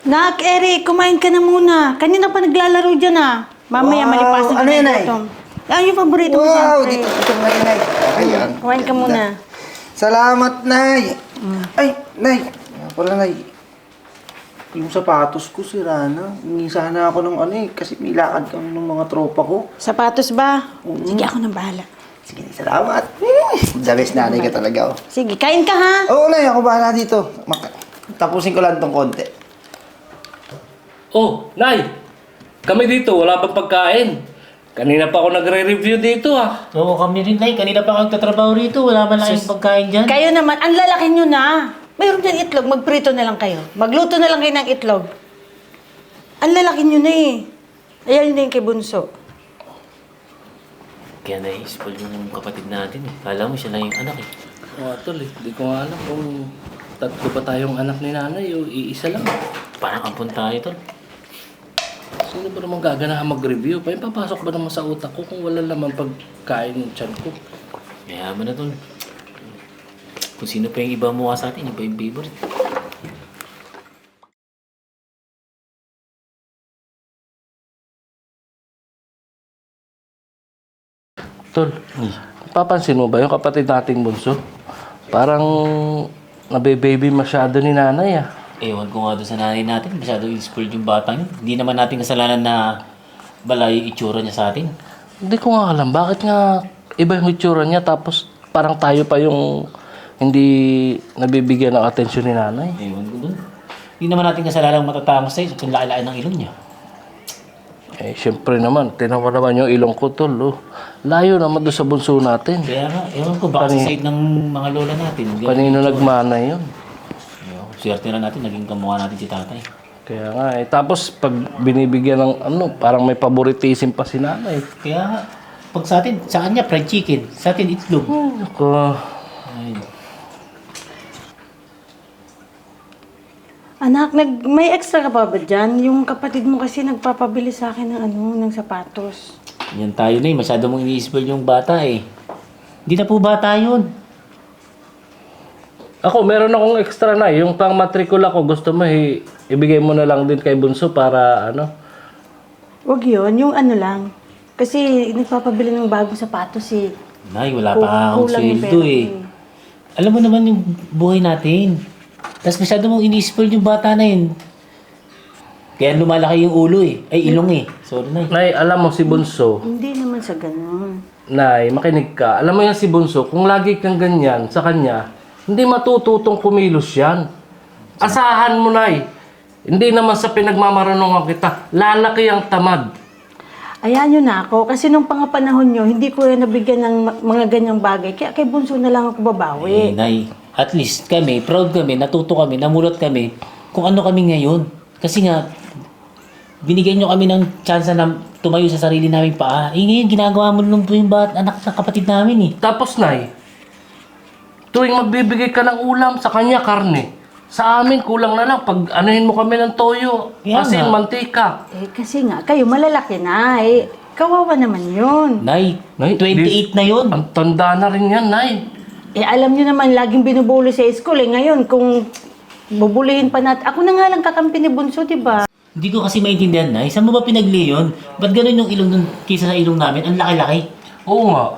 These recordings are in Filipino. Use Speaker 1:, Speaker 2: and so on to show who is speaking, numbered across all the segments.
Speaker 1: Nak, Eric, kumain ka na muna. Kanina pa naglalaro dyan ah. Mamaya
Speaker 2: Wow,
Speaker 1: malipasan ka
Speaker 2: ano
Speaker 1: na
Speaker 2: yan,
Speaker 1: yung
Speaker 2: Nay?
Speaker 1: gutom. Yan yung paborito mo
Speaker 2: Wow,
Speaker 1: siyempre.
Speaker 2: dito na yun, Nay. Ayan.
Speaker 1: Kumain ka muna.
Speaker 2: Salamat, Nay. Ay, Nay. Pala, Nay. Yung sapatos ko, sira na. Hingi sana ako ng ano eh, kasi may lakad kami ng mga tropa ko.
Speaker 1: Sapatos ba? Sige, ako nang bahala.
Speaker 2: Sige, salamat. The best nanay ka talaga, oh.
Speaker 1: Sige, kain ka ha.
Speaker 2: Oo, Nay, ako bahala dito. Tapusin ko lang tong konti.
Speaker 3: Oh, Nay! Kami dito, wala bang pagkain? Kanina pa ako nagre-review dito ah.
Speaker 4: Oo, kami rin, Nay. Kanina pa ako nagtatrabaho rito. Wala man lang yung pagkain dyan.
Speaker 1: Kayo naman, ang lalaki nyo na. Mayroon dyan itlog, magprito na lang kayo. Magluto na lang kayo ng itlog. Ang lalaki nyo na eh. Ayan na yung kay Bunso.
Speaker 4: Kaya na-spoil yung kapatid natin. Kala mo siya lang yung anak eh.
Speaker 3: Oo, tol eh. Di ko nga alam kung tatlo ba tayong anak ni nanay o iisa lang.
Speaker 4: Parang ampun tayo, tol.
Speaker 3: Sino ba naman gaganahan mag-review? Papasok ba naman sa utak ko kung wala naman pagkain ng tiyan ko?
Speaker 4: Mayaman na, tol. Kung sino pa yung iba mukha sa atin, iba yung favorite.
Speaker 3: Tol, papansin mo ba yung kapatid nating bunso? Parang nabe-baby masyado ni nanay ah.
Speaker 4: Ewan ko nga doon sa nanay natin. Masyado spoiled yung batang yun. Hindi naman natin kasalanan na balay yung itsura niya sa atin.
Speaker 3: Hindi ko nga alam, bakit nga iba yung itsura niya tapos parang tayo pa yung hindi nabibigyan ng atensyon ni nanay.
Speaker 4: Ewan ko doon. Hindi naman natin kasalanan matatangos tayo kung laki-laki ng ilong niya.
Speaker 3: Eh, syempre naman, tinawa naman yung ilong ko, tol. Oh. Layo naman doon sa bunso natin.
Speaker 4: Kaya nga, ewan ko, baka sa side ng mga lola natin.
Speaker 3: Kanino nagmana yun?
Speaker 4: Ewan ko, swerte na natin, naging kamukha natin si tatay.
Speaker 3: Kaya nga eh. Tapos pag binibigyan ng ano, parang may favoritism pa si nanay.
Speaker 4: Kaya nga, pag sa atin, sa kanya, fried chicken. Sa atin, itlog.
Speaker 3: Ako,
Speaker 4: Ay,
Speaker 1: Anak, may extra ka pa ba dyan? Yung kapatid mo kasi nagpapabili sa akin ng sapatos.
Speaker 4: yan tayo na eh. Masyado mong ini-spoil yung bata eh. Hindi na po bata yun.
Speaker 3: ako, meron akong extra na. Yung pang matrikula ko, gusto mo ibigay mo na lang din kay Bunso para ano.
Speaker 1: Huwag yun, yung ano lang. Kasi nagpapabili ng bagong sapatos eh.
Speaker 4: Nay, wala pa akong
Speaker 1: Kulang yung
Speaker 4: sweldo
Speaker 1: pera
Speaker 4: eh. Alam mo naman yung buhay natin. Tapos masyado mong ini-spoil yung bata na yun. Kaya lumalaki yung ulo eh. Ay, ilong eh. Sorry, Nay.
Speaker 3: Nay, alam mo si Bunso,
Speaker 1: Hindi naman sa ganun.
Speaker 3: Nay, makinig ka. Alam mo yan si Bunso, kung lagi kang ganyan sa kanya, hindi matututong kumilos yan. Asahan mo, Nay. Hindi naman sa pinagmamaranungan kita. Lalaki ang tamad.
Speaker 1: Ayan yun na ako. Kasi nung pangapanahon nyo, hindi ko yan nabigyan ng mga ganyang bagay. Kaya kay Bunso na lang ako
Speaker 4: Eh,
Speaker 1: babawi.
Speaker 4: Nay, at least kami, proud kami, natuto kami, namulot kami kung ano kami ngayon. Kasi nga, binigyan nyo kami ng chance na tumayo sa sarili namin paa. Eh ngayon, ginagawa mo nung po yung anak ng kapatid namin eh.
Speaker 3: Tapos, Nay, tuwing magbibigay ka ng ulam, sa kanya karne. Sa amin, kulang na lang. Pag anuhin mo kami ng toyo,
Speaker 4: Kaya
Speaker 3: asin,
Speaker 4: nga.
Speaker 3: mantika.
Speaker 1: Eh, kasi nga, kayo malalaki na eh. Kawawa naman yun.
Speaker 4: Nay,
Speaker 3: Nay,
Speaker 4: 28 na yun.
Speaker 3: Ang tanda na rin yan, Nay.
Speaker 1: Eh, alam nyo naman, laging binubulo sa school eh. Ngayon, kung bubulihin pa natin. Ako na nga lang kakampi ni Bunso, di ba?
Speaker 4: Hindi ko kasi maintindihan, Nay. Saan mo ba pinagli yun? Ba't ganun yung ilong nun kaysa sa ilong namin? Ang laki-laki.
Speaker 3: Oo nga.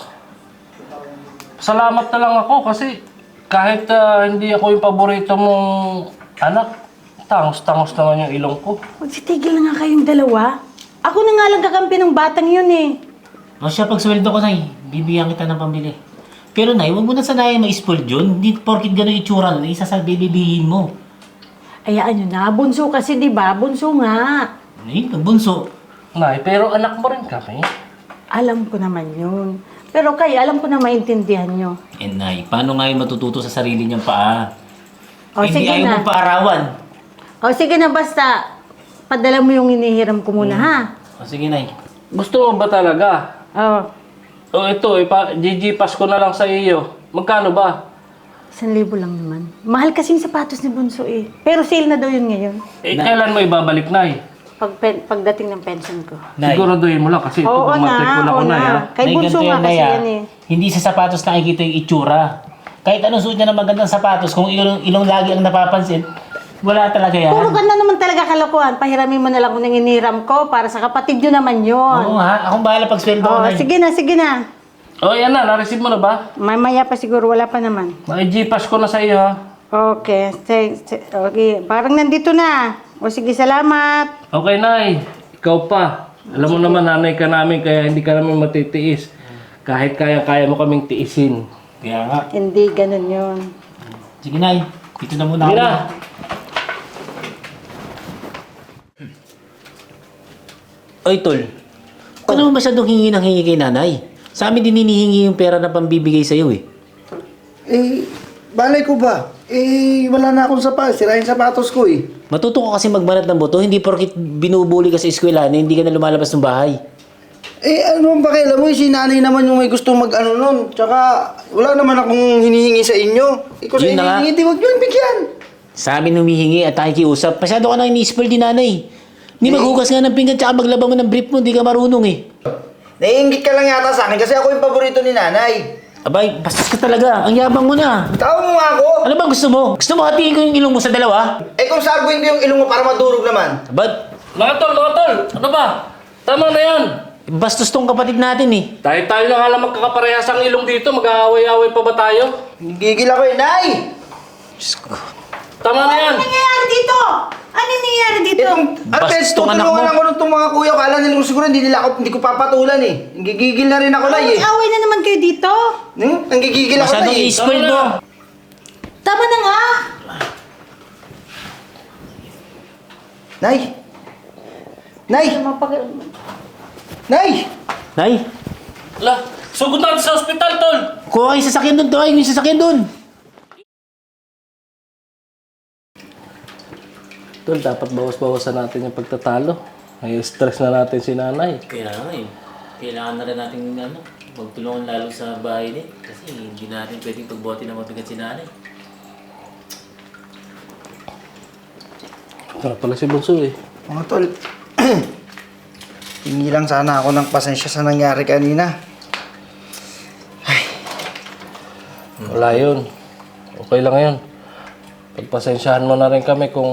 Speaker 3: Salamat na lang ako kasi kahit hindi ako yung paborito mong anak, tangos-tangos naman yung ilong ko.
Speaker 1: Magsitigil na nga kayong dalawa. Ako na nga lang kakampi ng batang yun eh.
Speaker 4: O siya, pag sweldo ko, Nay, bibigyan kita ng pambili. Pero, Nay, huwag mo na sanayin ma-spoil yun. Hindi porkit ganun itsura nun, isa sa bibibihin mo.
Speaker 1: Ayaan nyo na. Bunso kasi, di ba? Bunso nga.
Speaker 4: Ay, bunso.
Speaker 3: Nay, pero anak mo rin kami.
Speaker 1: Alam ko naman yun. Pero kayo, alam ko na maintindihan nyo.
Speaker 4: Eh, Nay, paano nga yung matututo sa sarili niyang paa?
Speaker 1: O,
Speaker 4: Hindi
Speaker 1: sige
Speaker 4: ayaw
Speaker 1: na.
Speaker 4: mong paarawan.
Speaker 1: O, sige na, basta. Padala mo yung inihiram ko muna, ha?
Speaker 4: O, sige, Nay.
Speaker 3: Gusto mo ba talaga?
Speaker 1: O,
Speaker 3: O ito, GG-pass ko na lang sa iyo. Magkano ba?
Speaker 1: 1,000 lang naman. Mahal kasing sapatos ni Bunso eh. Pero sale na daw yun ngayon.
Speaker 3: Eh, kailan mo ibabalik, Nay?
Speaker 1: Pagdating ng pension ko.
Speaker 4: Nay,
Speaker 3: Siguraduhin mo lang kasi ito
Speaker 1: Oo
Speaker 3: pang matrikula ko na yan.
Speaker 1: Kay
Speaker 4: Nay,
Speaker 1: Bunso
Speaker 4: ganito
Speaker 1: nga
Speaker 4: yan,
Speaker 1: kasi
Speaker 4: Nay,
Speaker 1: yan eh.
Speaker 4: Hindi sa sapatos nakikita yung itsura. Kahit anong suot niya ng magandang sapatos, kung ilong lagi ang napapansin, Wala talaga yan.
Speaker 1: Puro ka na naman talaga kalokohan. Pahiramin mo na lang kung nang iniram ko para sa kapatid nyo naman yun.
Speaker 4: Oo ha, akong bahala pag sweldo ko
Speaker 1: Oh,
Speaker 4: na.
Speaker 1: sige na, sige na.
Speaker 3: O, yan na. Na-receive mo na ba?
Speaker 1: Mamaya pa siguro, wala pa naman.
Speaker 3: Nai-Gpass ko na sa iyo, ha?
Speaker 1: Okay, okay. Parang nandito na. O sige, salamat.
Speaker 3: Okay, Nay. Ikaw pa. Alam mo naman, nanay ka namin, kaya hindi ka namin matitiis. Kahit kaya mo kaming tiisin.
Speaker 4: Kaya nga.
Speaker 1: Hindi, ganun yun.
Speaker 4: Sige Nay, dito na muna
Speaker 3: Sige
Speaker 4: ako.
Speaker 3: na.
Speaker 4: Oy, Tol. Huwag ka naman masyadong hingi ng hingi kay nanay. Sa amin din hinihingi yung pera na pambibigay sa'yo eh.
Speaker 2: Eh, balay ko ba? Eh, wala na akong sapatos. Sira yung sapatos ko eh.
Speaker 4: Matuto ka kasi magbanat ng boto, hindi porkit binubuli ka sa eskwelahan, hindi ka na lumalabas ng bahay.
Speaker 2: Eh, ano ang pakialam mo? Si nanay naman yung may gusto mag-ano nun. Tsaka, wala naman akong hinihingi sa inyo. Ikaw sa
Speaker 4: Yun na nga.
Speaker 2: hinihingi, di wag nyo bigyan.
Speaker 4: Sa amin humihingi at nakikiusap. Masyado ka nang ini-spoil din nanay. Hindi maghugas nga ng pinggan tsaka maglaba mo ng brief mo, hindi ka marunong eh.
Speaker 2: Naiingit ka lang yata sa akin kasi ako yung paborito ni nanay.
Speaker 4: Abay, bastos ka talaga. Ang yabang mo na.
Speaker 2: Tawag mo nga ako.
Speaker 4: Ano ba gusto mo? Gusto mo hatiin ko yung ilong mo sa dalawa?
Speaker 2: Eh kung sarguin ko yung ilong mo para madurog naman.
Speaker 4: Abad,
Speaker 3: Mga tol. Ano ba? Tama na yan.
Speaker 4: bastos tong kapatid natin eh.
Speaker 3: Tayo na nga lang magkakaparehas ang ilong dito. Mag-aaway-aaway pa ba tayo?
Speaker 2: Gigil ako eh, Nay!
Speaker 3: Tama na yan.
Speaker 1: Ano nangyayari dito? Ano nangyayari dito?
Speaker 2: Ate,
Speaker 4: tong anak mo.
Speaker 2: tutulungan ako nung mga kuya ko. Kala nila siguro hindi ko papatulan eh. Gigigil na rin ako, Nay eh.
Speaker 1: Away na naman kayo dito.
Speaker 2: Nanggigigil ako,
Speaker 4: Masyadong
Speaker 2: Nay eh.
Speaker 4: i-spoil
Speaker 3: Tama
Speaker 4: mo.
Speaker 3: na.
Speaker 1: Tama na nga.
Speaker 2: Nay! Nay! Nay!
Speaker 4: Nay,
Speaker 3: Ala, sugod natin sa ospital, tol.
Speaker 4: kuha kayo yung sasakyan doon. Kuha kayo yung sasakyan doon.
Speaker 3: Tol, dapat bawas-bawasan natin yung pagtatalo. May stress na natin si nanay.
Speaker 4: Kaya nga eh. Kailangan na rin natin magtulungan lalo sa bahay din. Kasi hindi natin pwedeng pagbote na mabigat si nanay.
Speaker 3: Ito pala si Bunso eh.
Speaker 2: Mga tol, hingi lang sana ako ng pasensya sa nangyari kanina.
Speaker 3: Wala yun. Okay lang yun. Pagpasensyahan mo na rin kami kung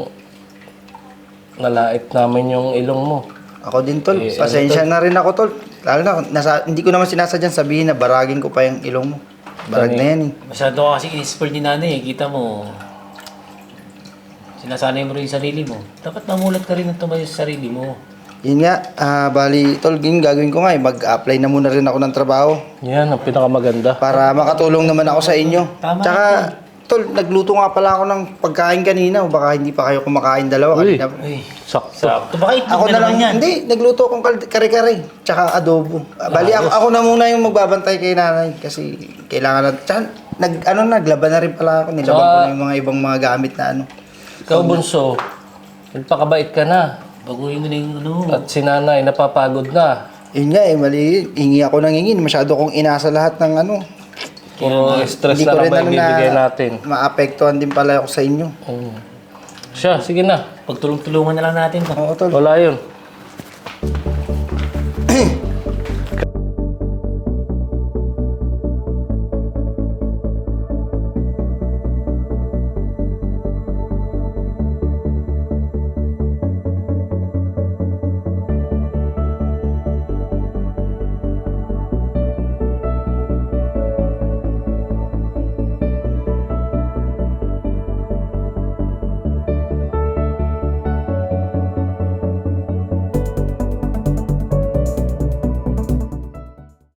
Speaker 3: nalait namin yung ilong mo.
Speaker 2: Ako din, tol.
Speaker 3: Eh,
Speaker 2: Pasensya na rin ako, tol. Lalo na, hindi ko naman sinasadyan sabihin na baragin ko pa yung ilong mo. Barag na yan eh.
Speaker 4: Masyado ka kasi in-spoil ni nanay eh. Kita mo, sinasanay mo rin yung sarili mo. Dapat mamulat ka rin ng tumayo sa sarili mo.
Speaker 2: Yun nga, bali, tol, yun gagawin ko nga eh. Mag-apply na muna rin ako ng trabaho
Speaker 3: Yan, ang pinakamaganda.
Speaker 2: para makatulong naman ako sa inyo.
Speaker 4: Tama.
Speaker 2: Tsaka, tol, nagluto nga pala ako ng pagkain kanina. O baka hindi pa kayo kumakain dalawa.
Speaker 3: Uy.
Speaker 2: Kanina.
Speaker 4: Uy,
Speaker 3: Sakto.
Speaker 4: sakto ba kayo?
Speaker 2: Ako na lang, hindi, nagluto akong kare-kare. Tsaka adobo. Bali, ako na muna yung magbabantay kay nanay. Kasi kailangan na, tsaka, naglaban na rin pala ako. Nilaban ko na yung mga ibang mga gamit na ano.
Speaker 3: Ikaw, Bunso, nagpakabait ka na.
Speaker 4: Baguhin mo na yung ano.
Speaker 3: At si nanay, napapagod na.
Speaker 2: Yun nga eh, mali. Hingi ako ng hingin. Masyado kong inasa lahat ng ano.
Speaker 3: Puro stress
Speaker 2: Hindi
Speaker 3: na
Speaker 2: ko
Speaker 3: lang
Speaker 2: rin
Speaker 3: ba
Speaker 2: ano
Speaker 3: ibibigay natin?
Speaker 2: maapektuhan din pala ako sa inyo.
Speaker 3: Siya, sige na.
Speaker 4: Pagtulong-tulungan na lang natin to.
Speaker 2: Oo, tol.
Speaker 3: Wala yun.